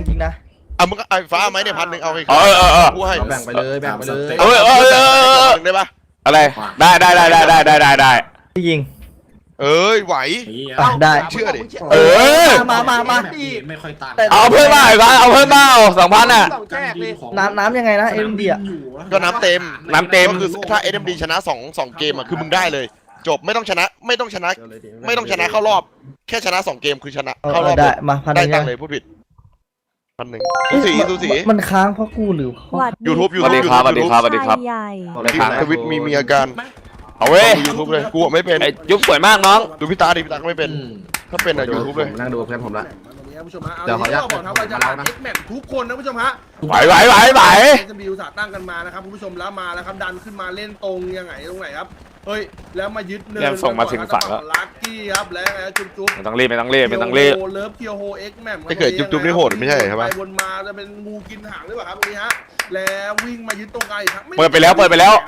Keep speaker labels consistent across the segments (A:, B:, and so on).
A: จริงนะ
B: มึงก็ไอ้ฟ้าไหมเนี่ย1,000เอาไปกูให้
C: แบ่งไปเลยได้
B: ปะ
D: อะไรได้
A: พี่ยิง
B: ไหว
A: ได้
B: เชื่อดิ
A: มา
C: ไม่ค่อยตัน
D: เอาเพิ่มมาอีกเอาเพิ่มมา2,000อ่ะ
A: น้ำยังไงนะเอ็มดีอ่ะ
B: ก็น้ำเต็มก็คือถ้า SMD ชนะ2เกมอ่ะคือมึงได้เลยจบไม่ต้องชนะเข้ารอบแค่ชนะ2เกมคือชนะเข้ารอบ
A: ได้มา
B: ได้ตังค์เลยพูดผิด1,000สูสี
A: มันค้างเพราะกูหรือ
B: YouTube
D: สวัสดีครับ
B: ทวิตมีอาการ
D: เอาเว้ย
B: YouTube เลยกูไม่เป็น
D: ยุบสวยมากน้อง
B: ดูพี่ตาดิพี่ตาไม่เป็นถ้าเป็นอะ YouTube เลย
C: นั่งดูเพื่อนผมละ
E: ผู้ชมฮะเดี๋ยวขออนุญาตบอกนะว่าจะรัก X-Max ทุกคนนะผู้ชมฮะ
D: ไหว
E: จะมีอุตสาห์ตั้งกันมานะครับคุณผู้ชมแล้วมาแล้วครับดันขึ้นมาเล่นตรงยังไงตรงไหนครับเฮ้ยแล้วมายึดเนิน
D: ส่งมาถึงฝั่งแล้ว
E: ลักกี้ครับแล้วไงจุ๊บ
D: ไม่ต้องรีบ
E: เลิฟเคียวโฮ X-Max
B: ถ้าเกิดจุ๊บนี่โหดไม่ใช่ใช่ไหม
E: ไปวนมาจะเป็นงูกินหางหรือเปล่าครับตรงนี้ฮะแล้ววิ่งมายึดตรงไกลครับ
D: เปิดไปแล้วหวดไม้ลง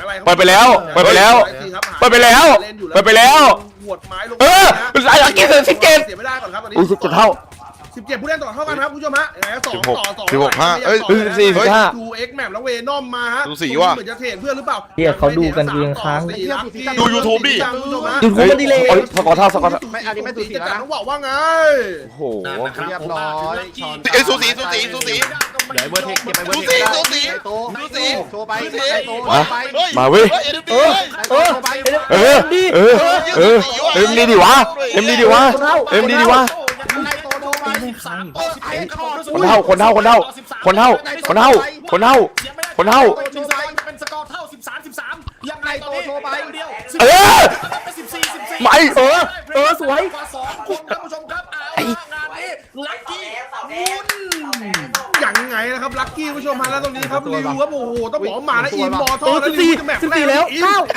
D: สายกิน17
E: เสียไม่ได้ก่อนครับตอนนี้
D: 17เท่า
E: 17ผู้เล่นต่อเท่ากันครับผู้ชมฮะ
B: 16
E: ดู X-Max แล้วเวนอมมาฮะ
B: ดูสีว่า
E: เหมือนจะเทรดเพื่อนหรือเปล่า
A: เขาดูกันกูยังค้าง
B: ดู YouTube ดิ
A: YouTube มันดีเลย
D: สกอร์เท่า
E: ไม่อันนี้ไม่ตีกันต้องบอกว่าไง
D: โอ้โห
C: เรียบร้อย
B: สูสี
C: เดี๋ยวเบอร์เทคเก็บไปเบอร์เทคโชว์ไป
D: มาเว้ยดีดิวะคนเท่าเป็นสกอร์เท่า13ยังไงโตโชว์ไปไม่
A: สวย
E: 2คนท่านผู้ชมครับงานนี้ลัคกี้ยังไงนะครับลัคกี้ผู้ชมฮะแล้วตรงนี้ครับริวครับโอ้โหต้องบอกมาแล้วอินบอลท่อแล้วริวจะแมป
A: แล้ว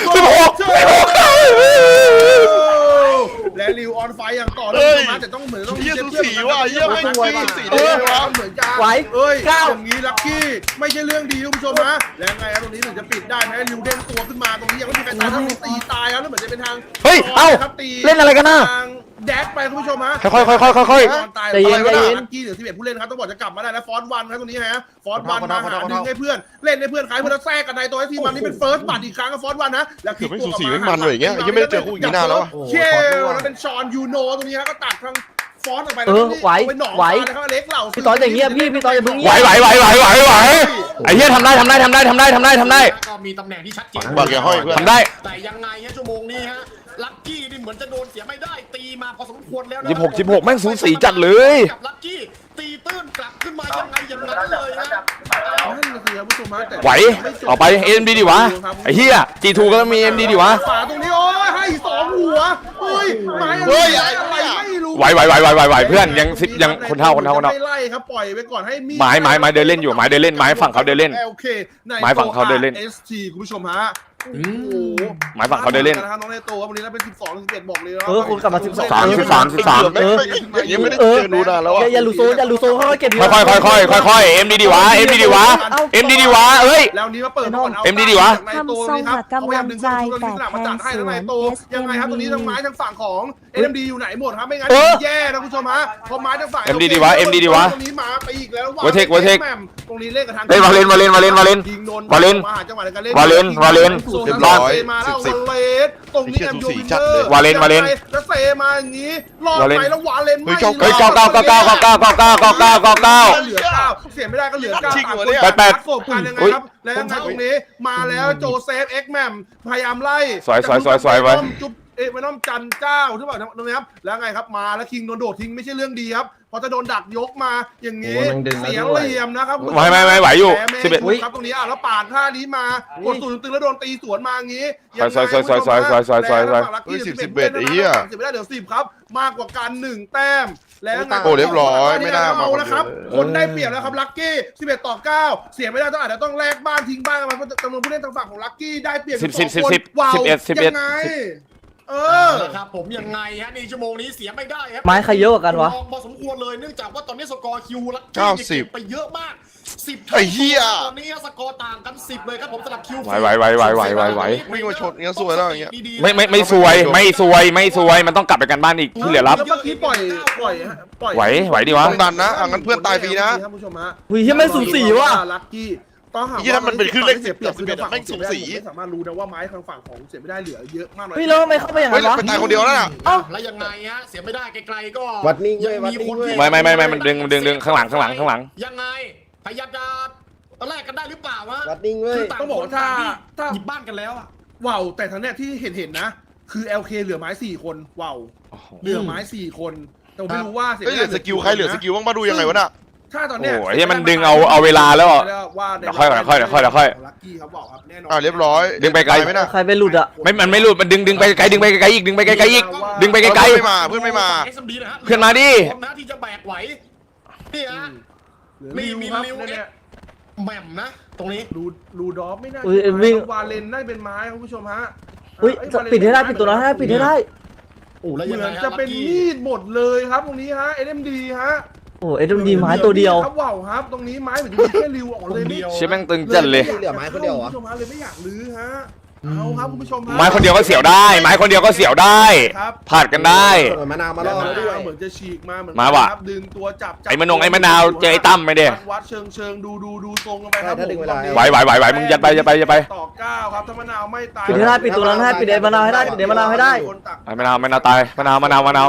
E: และริวออนไฟอย่างต่อเนื่องมาแต่ต้องเหมือนต้อง
B: สีว่าเยี่ยมไม่สีเลยวะ
E: เหมือนจะอย่างนี้ลัคกี้ไม่ใช่เรื่องดีคุณผู้ชมฮะแล้วไงครับตรงนี้ถึงจะปิดได้ไหมริวเด้งตัวขึ้นมาตรงนี้ยังไม่มีใครตายต้องตีตายแล้วเหมือนจะเป็นทาง
D: เล่นอะไรกันนะ
E: แดกไปคุณผู้ชมฮะ
D: ค่อย
E: ใจเย็นลัคกี้เหลือ11ผู้เล่นครับต้องบอกจะกลับมาได้แล้วฟอนต์วันครับตรงนี้ฮะฟอนต์วันมาหาดึงให้เพื่อนเล่นให้เพื่อนขายเพื่อนแทรกกันในตัวทีมมันนี่เป็นเฟิร์สบัตรอีกครั้งกับฟอนต์วันนะแล้ว
B: คือไม่สูสีไม่มันเลยอย่างเงี้ยยังไม่ได้เจอคู่อย่างนี้นานแล้ว
E: เชลแล้วเป็นชอนยูโนตรงนี้ฮะก็ตัดทางฟอนต์ออกไป
A: ไหว
E: นะครับเล็กเหล่า
A: พี่ต่ออย่างเงี้ยพี่ต่ออย่าเพิ่ง
D: ไหวไอ้เหี้ยทำได้
E: ก็
C: มีตำแหน่งที่ชัดเจน
B: บอกอย่าห้อยเพื่อน
D: ทำได้
E: แต่ยังไงฮะชั่วโมงนี้ฮะลัคกี้นี่เหมือนจะโดนเสียไม่ได้ตีมาพอสมควรแล้ว
D: 16แม่งสูสีจัดเลย
E: กับลัคกี้ตีตื้นกลับขึ้นมายังไงอย่างนั้นเลยนะ
D: ไหวเอาไป MD ดิวะไอ้เหี้ย G2 ก็ต้องมี MD ดิวะ
E: ฝาตรงนี้โอ้ยให้2หัวเฮ้ยไม้อะไรไม่รู้
D: ไหวเพื่อนยังคนเท่า
E: ไม่ไล่ครับปล่อยไปก่อนให้มี
D: ไม้เดินเล่นอยู่ไม้เดินเล่นไม้ฝั่งเขาเดินเล่นไม้ฝั่งเขาเดินเล่น
E: ST คุณผู้ชมฮะ
D: หมายฝั่งเขาเดินเล่น
E: นะครับน้องเนโต้ครับวันนี้เราเป็น12-11บอกเลย
A: คุณกลับมา
D: 13
B: ยังไม่ได้ดูนานแล้ว
A: อย่าลูโซค่อยเก็บ
D: ค่อย MD ดิวะเอ้ย
E: แล้วนี้มาเปิด
D: MD ดิวะ
E: ทำทรงกับกำลังใจแต่แทนสวนยังไงครับตรงนี้ทางไม้ทางฝั่งของ MD อยู่ไหนหมดครับไม่งั้นแย่นะคุณผู้ชมฮะพอไม้ทางฝั่ง
D: MD ดิวะต
E: รงนี้มาไปอีกแล้ว
D: วเทค
E: ตรงนี้เล่นกับทาง
D: วาเลน
E: ยิงโดนมาหาจังหวะในการเล่น
D: วาเลน
E: มาแล้วตรงนี้แอมยูวินเตอร์
D: วาเลน
E: แล้วเซมาอย่างนี้รอดไปแล้ววาเลนไม่
D: 9
E: เหลือ9เสียไม่ได้ก็เหลือ9
D: 8
E: ศพกันยังไงครับแล้วยังไงตรงนี้มาแล้วโจเซฟ X แมมพยายามไล่
D: สวย
E: ไว้จุ๊บไม่ต้องจันเจ้าใช่ป่ะตรงนี้ครับแล้วไงครับมาแล้วคิงโดนโดดทิ้งไม่ใช่เรื่องดีครับพอจะโดนดักยกมาอย่างนี้เสียเหลี่ยมนะครับ
D: ไม่ไหวอยู่
E: 11ครับตรงนี้แล้วปาดท่านี้มากดสูนตึงแล้วโดนตีสวนมาอย่างนี้
D: สวย
B: 11ไอ้เหี้ย
E: เสียไม่ได้เดี๋ยว10ครับมากกว่าการ1แต้มแล้ว
B: โอ้เรียบร้อยไม่น่ามา
E: นะครับคนได้เปรียบแล้วครับลัคกี้11-9เสียไม่ได้ต้องอาจจะต้องแลกบ้านทิ้งบ้านกันเพราะจำนวนผู้เล่นทางฝั่งของลัคกี้ได้เปรียบ
D: 11
E: ยังไงครับผมยังไงฮะในชั่วโมงนี้เสียไม่ได้ครับ
A: ไม้ใครเยอะกว่ากันวะ
E: พอสมควรเลยเนื่องจากว่าตอนนี้สกอร์คิวลัคกี้ไปเยอะมาก
B: ไอ้เหี้ย
C: ตอนนี้สกอร์ต่างกัน10เลยครับผมสำหรับคิว
D: ไหว
B: วิ่งมาชนอย่างเงี้ยสวยแล้วอย่างเงี้ย
D: ไม่สวยมันต้องกลับไปกันบ้านอีกที่เหลือรับ
E: เมื่อกี้ปล่อย
D: ไหวดิวะ
B: ต้องดันนะงั้นเพื่อนตายฟรีนะ
E: ท่านผู้ชมฮะ
A: อุ้ยที่ไม่สูสีว่ะ
E: ลัคกี้ต้องหา
B: ยี่ถ้ามันเป็นขึ้นเลข10
E: คือทางฝั่ง
B: แม่งสูสี
E: ไม่สามารถรู้นะว่าไม้ทางฝั่งของเสียไม่ได้เหลือเยอะมากน้อย
A: เฮ้ยแล้วทำไมเข้าไปอย่าง
B: เฮ้ย
A: นั้นวะ
B: ไปตายคนเดียวแล้วน่ะ
C: แล้วยังไงฮะเสียไม่ได้ไกลๆก็
F: วัดนิ่งเว้ยวัดนิ่งเว้ย
D: ไม่มันดึงข้างหลัง
C: ยังไงพยายามจะตอนแรกกันได้หรือเปล่าวะ
F: วัดนิ่งเว้ย
E: ต้องบอกว่าถ้า
C: หยิบบ้านกันแล้วอะ
E: ว้าวแต่ทางเนี้ยที่เห็นนะคือ LK เหลือไม้4คนว้าวเหลือไม้4คนแต่ผมไม่รู้ว่าเสีย
B: เฮ้ยเหลือสกิลใครเหลือสกิลบ้างมาดูยังไงวะน่ะ
E: ถ้าตอนเนี้ย
D: โอ้ยมันดึงเอาเวลาแล้ว
E: ว่า
D: เดี๋ยวค่อย
E: ลัคกี้ครับบอกครับแน่นอน
B: เรียบร้อย
D: ดึงไปไกล
B: ไหมน่ะ
A: ใครไปหลุดอ่ะ
D: มันไม่หลุดมันดึงไปไกลอีกดึงไปไกลอีกดึงไปไกล
B: เพื่อนไม่มา
C: SMD นะฮะ
D: เพื่อนมาดิ
C: พร้อมนะที่จะแบกไหวนี่ฮะ
E: มี
C: ริว
E: เนี่ย
C: แหม่มนะตรงนี้
E: รูดอฟไม่น่า
A: อุ้ยวิ่ง
E: วาเลนได้เป็นไม้ครับคุณผู้ชมฮะ
A: อุ้ยปิดให้ได้ปิดตัวนั้นให้ปิดให้ได้
C: โอ้แล้ว
E: เห
C: ยัง
E: มื
C: ไง
E: อน
C: ฮะ
E: จะเป็น
C: ลัคกี้
E: มีดหมดเลยครับตรงนี้ฮะ SMD ฮะ
A: โอ้เอ็ดดีไม้ตัวเดียว
E: ครับว้าวครับตรงนี้ไม้เหมือนจะมีแค่ริวออกเลย
C: เดียว
D: ชิแม่งตึงจัดเลย
F: เหลือไม้คนเดียวเหรอ
E: คุณผู้ชมฮะเลยไม่อยากลื้อฮะเอาครับคุณผู้ชมฮะ
D: ไม้คนเดียวก็เสียวได้ไม้คนเดียวก็เสียวได้
E: ครับ
D: ผ่านกันได้
F: ส่งมะนาวมาล่อแล้วด้วย
E: เหมือนจะฉีกมาเหมือน
D: มาว่ะ
E: ครับดึงตัวจับ
D: ไอ้มะนาวเจอไอ้ตั้มไม่ได้
E: วัดเชิงดูทรงกันไปครับ
F: ถ้าดึงเวลา
D: ไหวมึงยัดไป
E: ต่อ9ครับถ้ามะนาวไม่ตาย
A: ปิดให้ได้ปิดตัวนั้นให้ปิดไอ้มะนาวให้ได้ปิดไอ้มะนาวให้ได้
D: ไอ้มะนาวตายมะนาว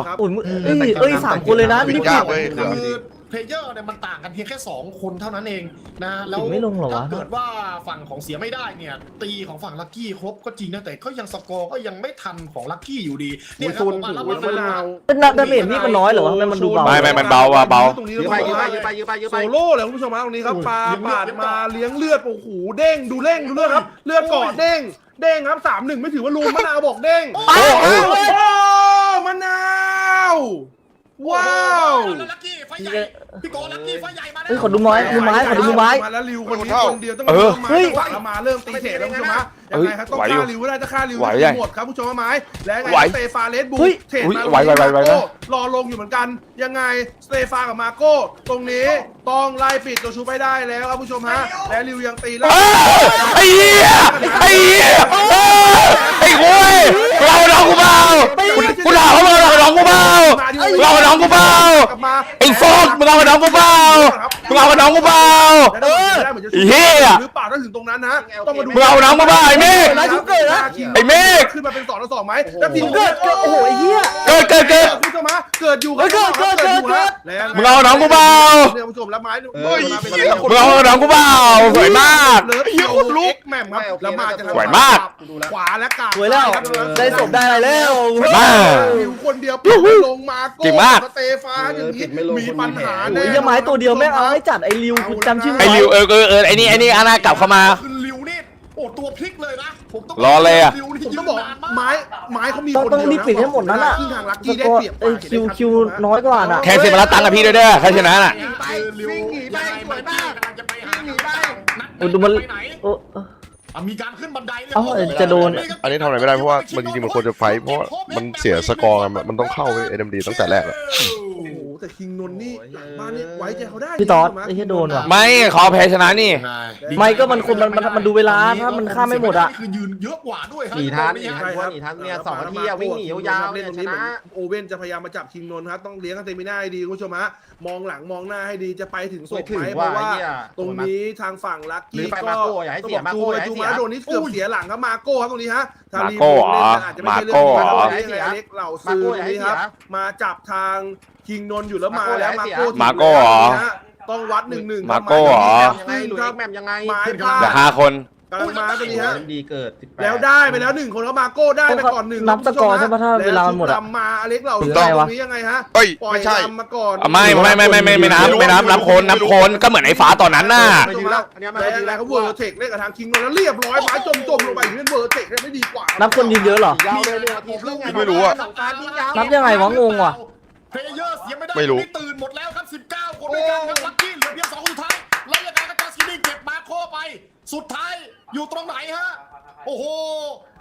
A: อุ้ยเอ้ย3 คนเลยนะ
B: ปิ
A: รี
B: ด
A: บ
B: ยา
A: ปิ
B: ก
A: ด
B: เว้ย
C: คือเพลเยอร์เนี่ยมันต่างกันเพียงแค่2คนเท่านั้นเองนะแล้ว
A: ไม่ลงเหรอวะ
C: ถ้าเกิดว่าฝั่งของเสียไม่ได้เนี่ยตีของฝั่งลัคกี้ครบก็จริงนะแต่ก็ยังสกอร์ก็ยังไม่ทันของลัคกี้อยู่ดีเนี่ยครับผมว่าแล้ว
E: มะนาว
A: เป็นดาเมจนี่มันน้อยเหรอวะทำไมมันดูเบา
D: ไม่มันเบาว่ะเบา
E: ตรงนี้
F: ยื้อไปยื้อไปยื้อไปยื้อ
E: โซ
F: ไป
E: โล่เลยคุณผู้ชมฮะตรงนี้ครับปามาเลี้ยงเลือดโอ้โหเด้งดูเลือดครับเลือดเกาะเด้งครับ3-1ไม่ถือว่าลูมมะนาวบอกเด้ง
A: โอ้โห
E: โอ้มะนาวว้าว
C: แล้วลัคกี้ไฟใหญ่พี่โกลัคกี้ไฟใหญ่มาแล้ว
A: เฮ้ยขอดูไม้ขอดูไม้
E: มาแล้วริวคนนี้คนเดียวต้อง
A: เฮ้ย
E: ฝั่งละมาเริ่มตีเสร็จแล้วคุณผู้ชมฮะยังไงครับต้องฆ่าริวได้ถ้าฆ่าริวหมดครับผู้ชมไม้และไงสเตฟาเลสบูเทรดมารอลงอยู่เหมือนกันยังไงสเตฟากับมาโก้ตรงนี้ต้องไล่ปิดตัวชูไปได้แล้วครับผู้ชมฮะและริวยังตีแล้ว
D: ไอ้เหี้ยไอ้คุยเราน้องกูเบากูด่าเขาเราน้องกูเบาเราน้องกูเบาไอ้ฟอกมึงเอาน้องกูเบามึงเอาน้องกูเบาเฮีย
E: หรือเปล่าถ้าถึงตรงนั้นนะต้องมาดู
D: มึงเอาน้องกูเบาไอ้เมฆ
A: นะชุบเกิดนะ
D: ไอ้เมฆ
E: ขึ้นมาเป็น2-2ไหมแล้วทีม
A: เกิดโอ้โหไอ้เหี้ย
D: เกิด
E: ผู้ชมฮะเกิดอยู่
A: เกิด
D: มึงเอาน้องกูเบา
E: เนี่ยผู้ชมแล้วไม้
D: มึงเอาน้องกูเบาสวยมาก
E: เลิฟเฮียคนลุกแหม่มครับแล้วมาจะ
D: สวยมาก
E: ขวาและกา
A: สวยแล้วได้ศพได้อะไรแล้ว
D: มาก
E: มิวคนเดียวลงมาโก้สเตฟาอย่างนี้มีปัญหา
A: โอ้ยไม้ตัวเดียวแม่งเอาให้จัดไอ้ริวคุณจำชื่อ
D: ไอ้ริวไอ้นี่อานากลับเข้ามา
C: คือริวนี่โอ้ตัวพลิกเลยนะผมต้อง
D: รอเลยอะ
E: ผมต้องบอกไม้เขามี
A: ต้องรีบปิดให้หมดนั้นอ่ะ
E: ซึ่งทางลัก
A: ส
E: กี้ได้
A: กอร์
E: เปรียบ
A: ไอ้คิวน้อยกว่าน่ะ
D: แค่เสียมาแล้วตังค์กับพี่ด้วยเด้อใครชนะน่ะ
F: วิ่งหนีไปสวยมาก
C: กำลังจะไปหา
F: วิ่งหนีไป
A: โอ้ดูมัน
C: ไปไหน
A: โอ้
C: มีการขึ้นบันไดเลย
A: เอ้าจะโดน
B: อันนี้ทำอะไรไม่ได้เพราะว่ามันจริงๆมันควรจะไฟท์เพราะว่ามันเสียสกอร์กันมันต้องเข้าไป SMD ตั้งแต่แรกอะ
E: โอ้โหแต่คิงนนท์นี่บ้านนี้ไว้ใจเขาได้
A: พี่ตอดไอ้เหี้ยโดนว่ะ
D: ไม่ขอแพ้ชนะนี่
A: ไม่ก็มันคนมันดูเวลาถ้ามันฆ่าไม่หมดอ่ะ
C: คือยืนเยอะกว่าด้วย
F: หนีทันเนี่ย2 นาทีอะวิ่งหนียาวๆเนี่ยชนะ
E: โอเว่นจะพยายามมาจับคิงนนท์ครับต้องเลี้ยงกันเตมิน่าให้ดีคุณผู้ชมฮะมองหลังมองหน้าให้ดีจะไปถึงศพไหมเพราะว่าตรงนี้ทางฝั่งลักกี้ก็จูมาโดนนี่เกือบเสียหลังครับมาโก้ครับตรงนี้ฮะอาจจะไม่ใช่เรื่องยังไงเล็กเหล่าซื้อตรงนี้ครับมาจับทางคิงนนท์อยู่แล้วมาแล้วมาโก้ต้องวัด1-1
D: มาโก้เหรอ
F: ไงหลุยแมมยังไง
E: ไม้พ
D: เดี๋ยว
E: ลาด
D: 5 คน
E: กำลังมาตรงนี้ฮะ
F: ดีเกิด
E: แล้วได้ไปแล้ว1 คนแล้วมาโก้ได้ไปก่อน1
A: นับสกอร์ใช่ปะถ้าเวลามันหมดอะ
E: มาอเล็กเหล่า
A: ถู
E: ซื้
A: ก
E: อ
A: ต้อง
E: ตรงนี้ยังไงฮะ
B: เอ้ย
E: ปล่อย
B: ไม่ใช่
E: ลำมาก่อน
D: ไม่นับคนก็เหมือนไอ้ฟ้าตอนนั้นน่ะ
E: แล้วเขาเวอร์เทคเล่นกับทางคิงนนท์แล้วเรียบร้อยไม้จมลงไปอย่างนี้เวอร์เทคได้ไม่ดีกว่า
A: นับคนยืนเยอะเหรอ
F: ยาวเลยทีมเรื่องไง
A: นับยังไงวะงงว่ะ
C: เพลเยอร์เสียไม่ได้
B: ไม่รู้
C: ตื่นหมดแล้วครับ19 คนด้วยกันครับลัคกี้เหลือเพียง2 คนสุดท้ายแล้วยังไงก็จัสกินนี่เก็บมาโคไป สุดท้ายอยู่ตรงไหนฮะโอ้โห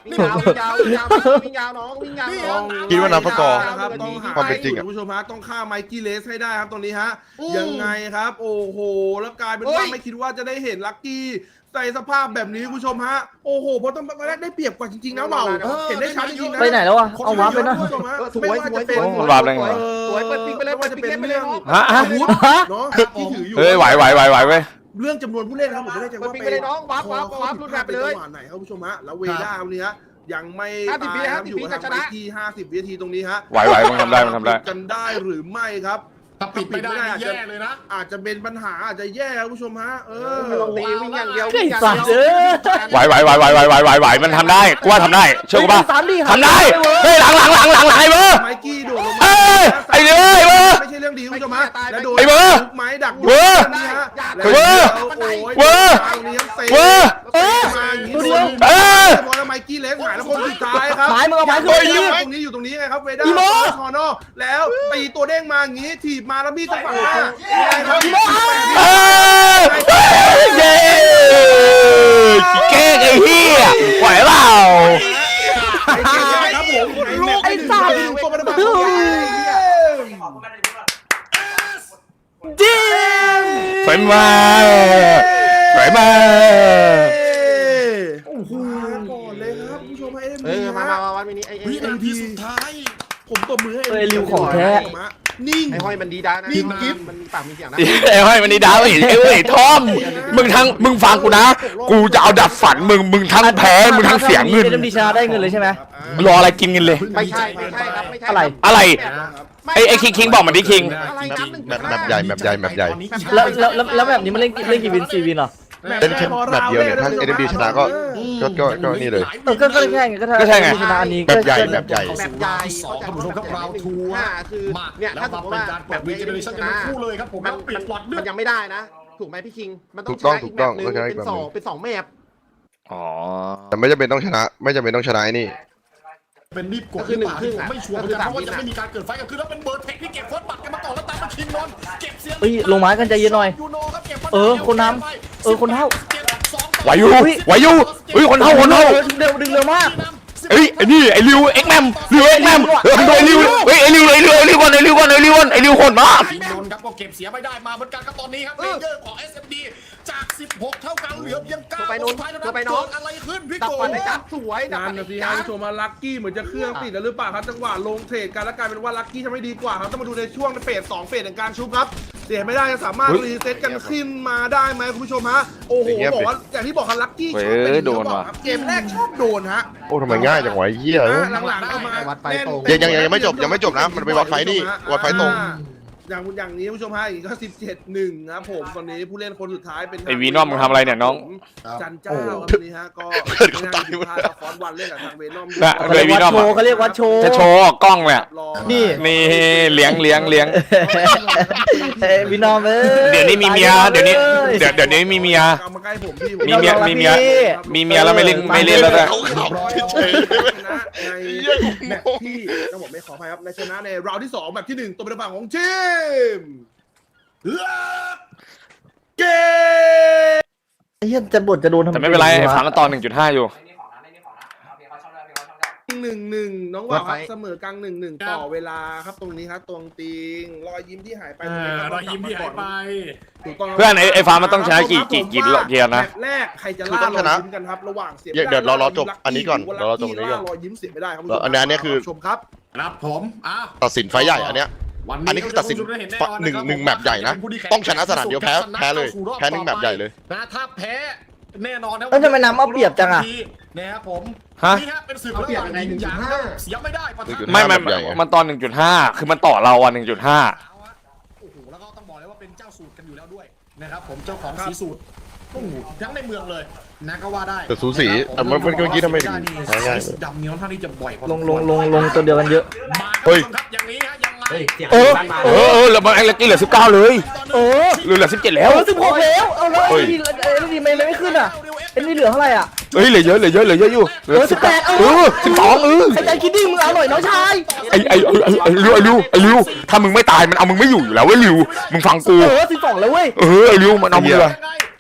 F: วิ่งยาววิ่งยาววิ่งยาววิ่งยาวน้องวิ่งยาวน้อง
B: คิดว่านับประกอบ
E: นะครับต้องหา
B: ความเป็นจริงอะ
E: คุณผู้ชมฮะต้องฆ่าไมกี้เลสให้ได้ครับตรงนี้ฮะยังไงครับโอ้โหแล้วกลายเป็นว่าไม่คิดว่าจะได้เห็นลัคกี้ใส่สภาพแบบนี้คุณผู้ชมฮะโอ้โหเพราะต้องมาได้เปรียบกว่าจริงๆนะเบาเห็นได้ชัดจริงๆนะ
A: ไปไหนแล้ววะเอาวาร์ปไปนะ
E: คุณผู้ชมฮะ
F: สวยสวยสวย
D: มันวาร์ปได้ไง
F: สวยเปิดปิงไปเลย
E: ไม่ว่าจะเป็นเรื่อง
D: ฮะ
E: อาวุธ
A: ฮะ
E: เนาะที่ถืออยู่
D: เฮ้ยไหวเว้ย
E: เรื่องจำนวนผู้เล่นครับผมไม่ได้ใจว่า
F: ปิงไปเลยน้องวาร์ปรุ่นแบบไปเลย
E: จังหวะไหนครับคุณผู้ชมฮะแล้วเวด้าวันนี้ฮะยังไม่
F: 50
E: ตายครับ
F: วิ
E: อยู่
F: จะ
E: ทาง
F: ช
E: ไป
F: นะ
E: ที่50 วินาทีตรงนี้ฮะ
D: ไหวมึงทำได้
E: กันได้หรือไม่ครับ
C: ถ้าปิดไม่ได้นี่แย่เลยนะ
E: อาจจะเป็นปัญหาอาจจะแย่ครับคุณผู้ชมฮะ
F: มันลงตีวิ่งอย่างเดียว
A: ไอ้สัตว์เอ้ย
D: ไหวมันทำได้กูว่าทำได้เชื่อกูป่ะ
A: สามดิ
D: ทำได้เฮ้ยหลังไอ้เบอร์
E: ไมกี้โดดลง
D: เอ้
E: มาย
D: ไอ้เบอร์
E: ไม่ใช่เรื่องดีคุณผู้ชมฮะแล้วโดน
D: ไอ้เบอร์
E: ไม้ดัก
D: เบอร์
E: นี่ฮะ
D: เบอร์
E: เบอร์
D: เบอร์
E: มาอย่างนี้
A: ตัวเดียว
D: เออ
E: พอแล้วไมกี้เล็กหายแล้วคนสุดท้ายครับ
A: หมายมึงเอาไม้ขึ้น
E: เฮ้ย
A: ไป
E: ตรงนี้อยู่ตรงนี้ไงครับเวด้า
A: อีโม่
E: คอนอแล้วตีตัวเด้งมาอย่างนี้ถีบมาแล้วมีดจังหวะยังไงครับ
D: เออเย้เก้ไอ้เหี้ยไหวเปล่า
E: ครับผม
A: ไอ้สัตว์
E: ตัวมันมา
A: จิม
D: สวยมากสวยมาก
E: โอ้โหก่อนเลยครับผู้ชมให้เอ็ม
F: เอ
E: ดี
F: อมาวันนี้ไอ้
C: วินาทีสุดท้าย
E: ผมตบมือให้
A: เอ้ยริวของแท้
E: นิ่ง
F: ไอ้ห้อยมันดีด้านะ
E: นี่กิ๊บ
F: มันมีปากมีเสียงนะ
D: ไอ้ห้อยมันนี่ดาวไอ้ทอมมึงฟังกูนะ กูจะเอาดับฝันมึงทั้งแพ้มึงทั้งเสียเงิน
A: เอ็มดีชนะได้เงินเลยใช่ไหม
D: รออะไรกินกันเลย
F: ไม่ใช่ครับไม่ใช่
A: อะไร
D: อะไรไอ้คิงบอกมันดิคิง
F: อะไรน้ำหนึ่ง
B: แมปใหญ่แมปใหญ่แมปใหญ่
A: แล้วแบบนี้มันเล่นกี่วิน4 วินเหรอ
B: เล่นแค่แบบเดียวเนี่ยถ้า SMD ชนะก็นี่เลย
A: ก็แค่ไงก็ถ้า
D: ก็ใช่ไง
A: ชนะอันนี้
B: แบบใหญ่แบบใหญ่
F: แบบใหญ่
C: สองท่านผู้ชมครับเราทัวร์
F: คือ
C: มา
F: เนี่ย
C: แล้ว
F: ถ้าสม
C: มาม
F: ติ
C: เป็น
F: ว่า
C: การ
F: แบ
C: แบบ บ
F: นี้
C: รีเจเนอเรชั่นกันทั้งคู่เลยครับผม
F: มัน
C: ปิดหลอดเลือ
F: มั
C: ด
F: นยังไม่ได้นะถูกไหมพี่คิงมันต้อง
B: ถูกต้อง
F: เป็นสองแมป
D: อ๋อ
B: แต่ไม่จำเป็นต้องชนะ ไม่จำเป็นต้องชนะไอ้นี่
C: เป็นรีบกดหรือเปล่าที่ผมไม่ชัวร์เหมือนกันเพราะว่าจะไม่มีการเกิดไฟกันคือแล้วเป็นเบิร์ดเทคที่เก็บเฟิร์สบัตรกันมาก่อนแล้วตามมาชิงนนเก็บเสียง
A: เฮ้ยลงไม้กันใจเย็นหน่อย
C: ยูโนครับเก็บ
A: คนนำคนเท่า
D: ไหวอยู่เฮ้ยคนเท่า
A: เร็วดึงเร็วมาก
D: เอ้ยไอ้นี่ไอ้ริวเอ็กแมมทำโดยริวเฮ้ยไอ้ริวก่อนไอ้ริวโหดมาก
C: ชิงนนครับก็เก็บเสียไม่ได้มาเหมือนกันครับตอนนี้ครับเลเยอร์ของ SMD จาก 16 เท่ากันเหลือเพียง9
F: ตัวไปนู้น
C: สุดท้ายเท่า
F: ตัวไป
C: นั้น
F: น้อง
C: เกิดอะไรขึ้นพี่
F: ดับ
C: โก
F: ฟันไอ้จับสวยดับ
E: นั่
F: ฟั
E: น
F: น
E: นะสิ
F: ไอ้
E: ฮะ
F: จับ
E: ผู้ชมมาลัคกี้เหมือนจะเครื่องติดแล้วหรือเปล่าครับจังหวะลงเทรดกันแล้วกลายเป็นว่าลัคกี้ทำไม่ดีกว่าครับต้องมาดูในช่วงเฟส2เฟสในการชุบครับเสียไม่ได้จะสามารถรีเซ็ตกันขึ้นมาได้ไหมคุณผู้ชมฮะโอ้โหบอกว่าอย่างที่บอกครับลัคกี้ชอบเป็นเกมแรกชอบโดนฮะ
B: โอ้ทำไมง่ายจังวะไอ้เหี้ย
E: หลังๆก็มา
B: ยังไม่จบนะมันไปวัดไฟนี่วัดไฟตรง
E: อย่างนี้ผู้ชมฮะอีกก็17-1ครับผมตอนนี้ผู้เล่นคนสุดท้ายเป็น
D: ไอ้วีนอมมึงทำอะไรเนี่ยน้อง
E: จันเจ้าครับตอนนี้ฮะก็ฟอนวันเล่นกับทางเวนอม
D: น่ะ
A: เขาเรียกวัดโชว์เขาเรียกวัดโชว์
D: จะโชว์กล้องเนี่ย
A: นี่
D: นี่เลี้ยง
A: วินอมเอ้ย
D: เดี๋ยวนี้มีเมียเดี๋ยวนี้มีเมีย
E: เอามาใกล้ผมพี่
D: มีเมียแล้วไม่เล่นแล้วนะ
B: เขาขับเฉย
E: ชนะในแมตช์ที่ต้องบอกไม่ขออภัยครับในชนะในราวที่2แบบที่1ตัวเป็นฝั่งของทีมเกม
A: ไอ้เหี้ยจะบดจะโดนทำ
D: แต่ไม่เป็นไรไอ้ฝันมันตอน 1.5 อยู่
E: 1-1น้องว่าครับเสมอกลาง1-1ต่อเวลาครับตรงนี้ครับตวงติงรอยยิ้มที่หายไป
C: รอยยิ้มที่หายไป
E: ถูกต้อง
D: เพื่อนไอ้ฟ้ามันต้องชนะกี่เกียร์นะ
E: แมตช์แรกใครจะล่ารอยยิ้มกันครับระหว่างเสีย
B: เดี๋ยวเราจบอันนี้ก่อนเราจบอันนี้ก่อน
E: รอยยิ้มเสียไม่ได้ครับ
B: อันนี้คือ
E: ชมครับ
C: ครับผม
B: ตัดสินไฟใหญ่อันเนี้ย อันนี้คือตัดสินหนึ่งแมปใหญ่นะต้องชนะสนามเดียวแพ้เลยแพ้หนึ่งแมปใหญ่เลย
C: นะถ้าแพ้แน่นอนนะ
A: เอ้ยทำไมน้ำเอาเปรียบจังอะ
C: นะครับผม
D: ฮะ
C: นี่ฮะเป็นศึกระหว่างยิงหยางเสียไม่ได้ปะทะ
D: ไม่มันตอน 1.5 คือมันต่อเราอ่ะ 1.5
C: โอ้โหแล้วก็ต้องบอกเลยว่าเป็นเจ้าสูตรกันอยู่แล้วด้วยนะครับผมเจ้าของสีสูตรโอ้โหทั้งในเมืองเลยนะก็ว่าได้
B: แต่สูสีเมื่อกี้ทำไมถึงง่ายๆ
C: ดำเนี้ยค่อนข้างที่จะบ่อยพอ
A: ลงตัวเดียวกันเยอะ
C: มาครับอย่างนี้ฮะยังไง
D: แล้วมันไอ้ลักกี้เหลือ 19 เลย เหลือ 17 แล้ว
A: 16แล้วเอาแล้วไอ้นี่ไม่ขึ้นอ่ะไอ้นี่เหลือเท่าไหร่อ่ะ
D: เฮ้ยเหลือเยอะอยู่เหลือ
A: 18
D: 12
A: ใครใจคิดดิ้งมึงเอาหน่อยน้องชาย
D: ไอ้ริวถ้ามึงไม่ตายมันเอามึงไม่อยู่แล้วเว้ยริวมึงฟังกู
A: 12แล้วเว้ย
D: ไอ้ริวมันเอามึงเลย
C: ย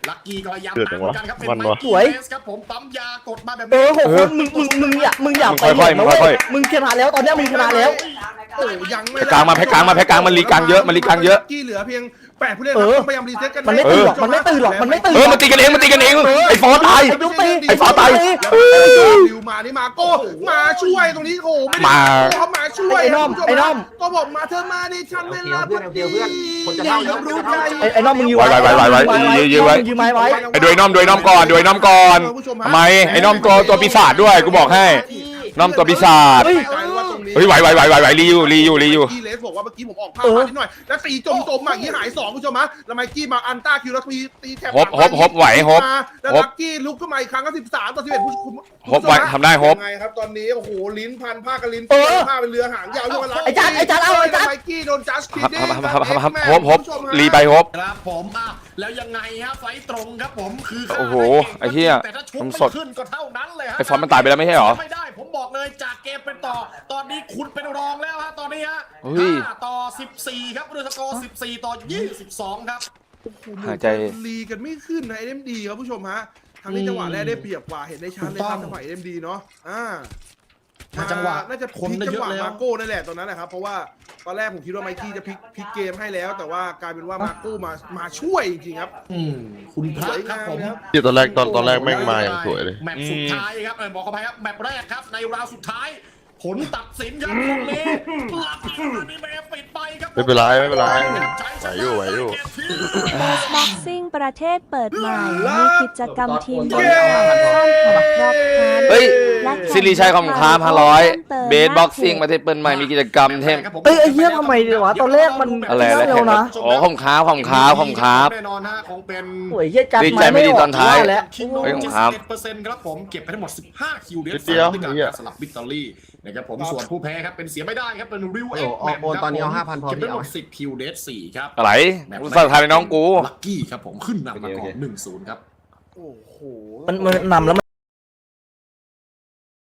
C: ลักกี้ก็พยายามตามเหมือนกันครับเป็นไมค์กี้เบสครับผมปั๊มยากดมาแบบ
A: 6 คนมึงอยากไปนะเว้ยมึงชนะแล้วตอนนี้มึงชนะแล้ว
E: โอ้ยังไม่
D: แพ้กลางมาแพ้กลางมาแพ้กลางมันรีกลางเยอะมันรีกลางเยอะ
E: กี้เหลือเพียง8ผู้เล่นต้องพยายามรีเซ็ตกัน
A: มันไม่ตื่นหรอกมันไม่ตื่นหรอกมันไม่ตื่น
D: มันตีกันเองมันตีกันเองไอ้ฟอตาย ไอ้ฟ้าตาย
E: ดิวมานี่มาโก้มาช่วยตรงนี้โอ้ไม่ได้
D: มา
E: เขามาช่วย
A: ไอ้น้อมไอ้น้อม
E: ก็บอกมาเธอมาในชั้นเวลาพอดี รู้ใจ
A: ไอ้น้องมึงยืน
D: ไว้ยืนไว้
A: ยืนไม้ไว้
D: ไอ้ด้วยน้อมก่อนด้วยน้อมก่อนทำไมไอ้น้อมตัวปีศาจด้วยกูบอกให้น้อมตัวปีศาจเฮ้ยไหวรีอยู่
E: กี้เลสบอกว่าเมื่อกี้ผมออกภาพมานิดหน่อยแล้วตีจมมาอย่างนี้หาย2คุณผู้ชมฮะแล้วไมกี้มาอันต้าคิวแล้วตีแถบ
D: ฮบไหวฮบ
E: แล้วลักกี้ลุกขึ้นมาอีกครั้งก็13-11ผู้ชม
D: ฮบไหวทำได้ฮบ
E: ยังไงครับตอนนี้โอ้โหลิ้นพันผ้ากับลิ้นผ้าเป็นเรือหางยาวด้วย
A: ไอ้จัดเอาไอ้จัด
E: ไมกี้โดนจัสคิดดิ้ง
D: ฮบรีไปฮบ
C: ครับผมแล้วยังไงฮะไฟตรงครับผมคือ
D: โอ้โหไอ้เหี้ย
C: แต่ถ้าชุบ
D: มัน
C: ไม่
D: สด
C: ขึ้นก็เท่านั้นเลยฮะ
D: ไอ้ฟอนต์มันตายไปแล้วไม่ใช่เหรอ
C: ไม่ได้ผมบอกเลยจากเกมเป็นต่อตอนนี้คุณเป็นรองแล้วฮะตอนนี้ฮะ
D: เฮ้ย
C: 5-14ครับด้วยสกอร์14-22ครับ
D: หายใจ
E: ลีกันไม่ขึ้นนะ NMD ครับผู้ชมฮะทางนี้จังหวะแรกได้เปรียบกว่าเห็นได้ชัดเลยครับจังหวะ NMD เนาะ
C: จังหวะ
E: น่าจะพลิกจังหวะมาโก้นั่นแหละตอนนั้นนะครับเพราะว่าตอนแรกผมคิดว่าไมกี้จะพลิกเกมให้แล้ว แต่ว่ากลายเป็นว่ามาโก้มาช่วยจริงๆครับ
C: คุณพระครับผม
B: ที่ตอนแรกแม่งมาอย่างสวยเลย
C: แมตช์สุดท้ายครับบอกเข้าไปครับแมตช์แรกครับในราวสุดท้าย ผลตัดสินครับตรงนี้ลักกี้มานี่เมย์ปิดไปครับ
B: ไม่เป็นไรไหวอยู่
G: บ็อกซิ่งประเทศเปิดใหม่มีกิจกรรมทีมบอลสร้างความครอบครัว
D: เฮ้ยซิริชัยของค้า500เบสบ็อกซิ่งประเทศเปิดใหม่มีกิจกรรมเทม
A: ไอ้เหี้ยทำไมดีวะตอนแรกมัน
D: อะไร
A: เร็วนะ
D: อ๋อของค้า
C: แน่นอนฮะคงเป็น
A: โอ้ยเหี้ยจัด
D: ดีใจไม่ดีตอนท้าย
A: แล้ว
C: คิงโน
D: เฮ้ยของครับ
C: 71%ครับผมเก็บไปทั้งหมด15คิวเด
B: นิดเดียว
C: ด้วย
B: เหี้ย
C: การสลับวิกตอรี่นะครับผมส่วนผู้แพ้ครับเป็นเสียไม่ได้ครับเป็นริว
F: โอ้
C: เอ็
F: โห
C: กแมน
F: โอนตอนนี้เอา5,000พอ
C: เก็บไป
F: พี่
C: ทั้งห
F: เอา
C: มด10คิวเด4ครับ
D: อะไรกูสาดทายน้องกู
C: ลักกี้ครับผมขึ้นนำมาก่อน 1-0 ครับ
E: โอ้โห
A: มันนำแล้ว